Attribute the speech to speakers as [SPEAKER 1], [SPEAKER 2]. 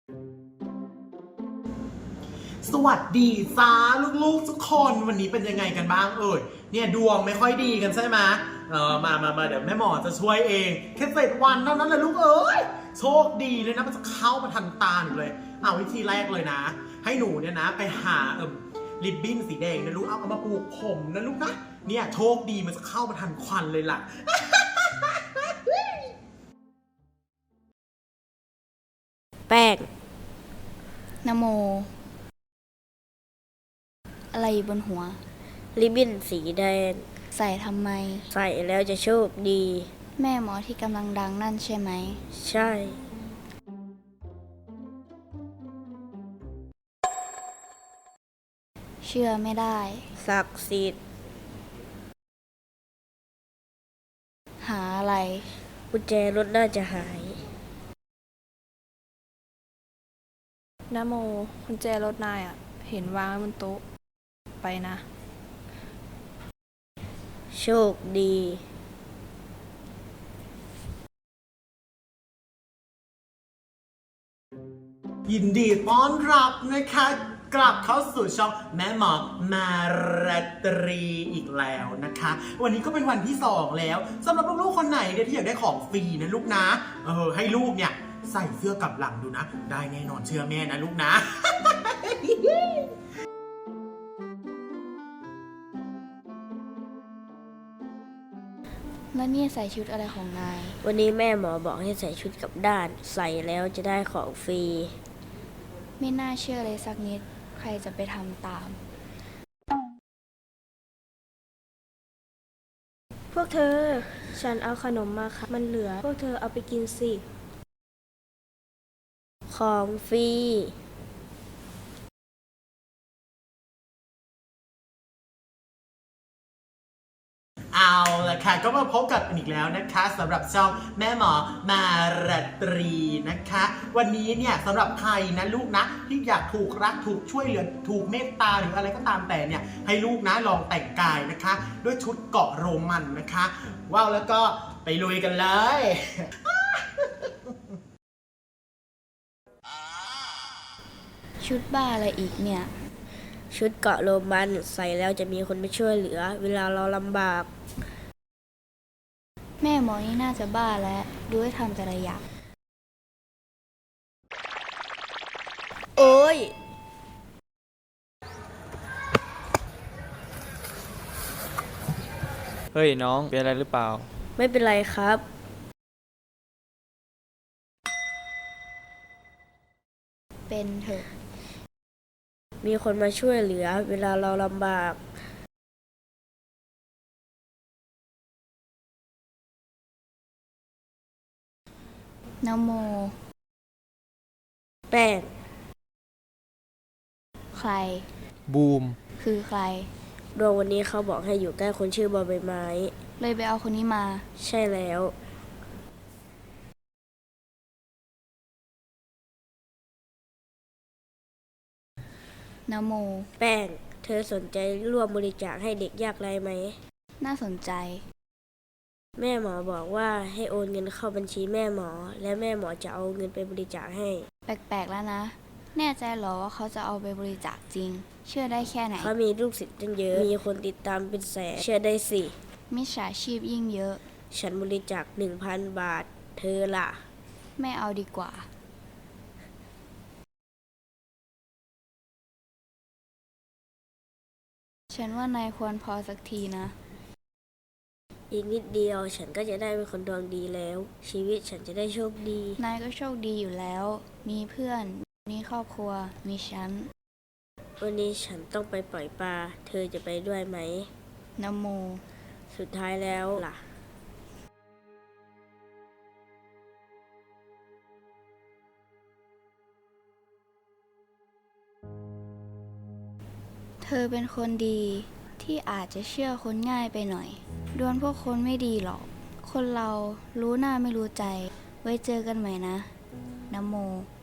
[SPEAKER 1] สวัสดีจ้าลูกๆทุกคนวันนี้เป็นยังไงกันบ้างเนี่ยดวงไม่ค่อยดีกันใช่ไหมมาเดี๋ยวแม่หมอจะช่วยเองแค่7 วันเท่านั้นเลยลูกโชคดีเลยนะมันจะเข้ามาทันตาหนูเลยวิธีแรกเลยนะ ให้หนูเนี่ยนะไปหาริบบิ้นสีแดงนะลูกเอามาปลูกผมนะลูกนะเนี่ยโชคดีมันจะเข้ามาทันควันเลยล่ะ
[SPEAKER 2] แป้ง
[SPEAKER 3] นะโมอะไรอยู่บนหัว
[SPEAKER 2] ริบบิ้นสีแดง
[SPEAKER 3] ใส่ทำไม
[SPEAKER 2] ใส่แล้วจะโชคดี
[SPEAKER 3] แม่หมอที่กำลังดังนั่นใช่ไหม
[SPEAKER 2] ใช่
[SPEAKER 3] เชื่อไม่ได้
[SPEAKER 2] ศักดิ์สิทธิ์
[SPEAKER 3] หาอะไร
[SPEAKER 2] กุญแจรถน่าจะหาย
[SPEAKER 4] นะโมกุญแจรถนายเห็นวางไว้บนโต๊ะไปนะ
[SPEAKER 2] โชคดี
[SPEAKER 1] ยินดีต้อนรับนะคะกลับเข้าสู่ช่องแม่หมอมาราตรีอีกแล้วนะคะวันนี้ก็เป็นวันที่2แล้วสำหรับลูกๆคนไหนเนี่ยที่อยากได้ของฟรีนะลูกนะให้ลูกเนี่ยใส่เสื้อกลับหลังดูนะได้แน่นอนเชื่อแม่นะลูกนะ
[SPEAKER 3] แล้วนี่ใส่ชุดอะไรของนาย
[SPEAKER 2] วันนี้แม่หมอบอกให้ใส่ชุดกลับด้านใส่แล้วจะได้ของฟรี
[SPEAKER 3] ไม่น่าเชื่อเลยสักนิดใครจะไปทำตาม
[SPEAKER 4] พวกเธอฉันเอาขนมมาค่ะมันเหลือพวกเธอเอาไปกินสิ
[SPEAKER 2] ของฟรี
[SPEAKER 1] เอาละค่ะก็มาพบกันอีกแล้วนะคะสำหรับช่องแม่หมอมาราตรีนะคะวันนี้เนี่ยสำหรับใครนะลูกนะที่อยากถูกรักถูกช่วยเหลือถูกเมตตาหรืออะไรก็ตามแต่เนี่ยให้ลูกนะลองแต่งกายนะคะด้วยชุดเกาะโรมันนะคะว้าวแล้วก็ไปลุยกันเลย
[SPEAKER 3] ชุดบ้าอะไรอีกเนี่ย
[SPEAKER 2] ชุดเกาะโรมันใส่แล้วจะมีคนมาช่วยเหลือเวลาเราลำบาก
[SPEAKER 3] แม่หมอนี่น่าจะบ้าแล้วดูให้ทำแต่ละอย่าง
[SPEAKER 2] โอ้ย
[SPEAKER 5] เฮ้ยน้องเป็นอะไรหรือเปล่า
[SPEAKER 2] ไม่เป็นไรครับ
[SPEAKER 3] เป็นเถอะ
[SPEAKER 2] มีคนมาช่วยเหลือเวลาเราลำบาก
[SPEAKER 3] นะโม
[SPEAKER 2] แป้ง
[SPEAKER 3] ใคร
[SPEAKER 5] บูม
[SPEAKER 3] คือใคร
[SPEAKER 2] ดวงวันนี้เขาบอกให้อยู่ใกล้คนชื่อบอใบไม้
[SPEAKER 3] เลยไปเอาคนนี้มา
[SPEAKER 2] ใช่แล้ว
[SPEAKER 3] นะโม
[SPEAKER 2] แป้งเธอสนใจร่วมบริจาคให้เด็กยากไร้ไหม
[SPEAKER 3] น่าสนใจ
[SPEAKER 2] แม่หมอบอกว่าให้โอนเงินเข้าบัญชีแม่หมอและแม่หมอจะเอาเงินไปบริจาคให้
[SPEAKER 3] แปลกๆแล้วนะแน่ใจเหรอว่าเขาจะเอาไปบริจาคจริงเชื่อได้แค่ไหน
[SPEAKER 2] เขามีลูกศิษย์ตั้งเยอะมีคนติดตามเป็นแสนเชื่อได้สิ
[SPEAKER 3] มิจฉาชีพยิ่งเยอะ
[SPEAKER 2] ฉันบริจาค 1,000 บาทเธอล่ะ
[SPEAKER 3] ไม่เอาดีกว่าฉันว่านายควรพอสักทีนะ
[SPEAKER 2] อีกนิดเดียวฉันก็จะได้เป็นคนดวงดีแล้วชีวิตฉันจะได้โชคดี
[SPEAKER 3] นายก็โชคดีอยู่แล้วมีเพื่อนมีครอบครัวมีฉัน
[SPEAKER 2] วันนี้ฉันต้องไปปล่อยปลาเธอจะไปด้วยไหม
[SPEAKER 3] นะโม
[SPEAKER 2] สุดท้ายแล้วล่ะ
[SPEAKER 3] เธอเป็นคนดีที่อาจจะเชื่อคนง่ายไปหน่อยดวลพวกคนไม่ดีหรอกคนเรารู้หน้าไม่รู้ใจไว้เจอกันใหม่นะนะโม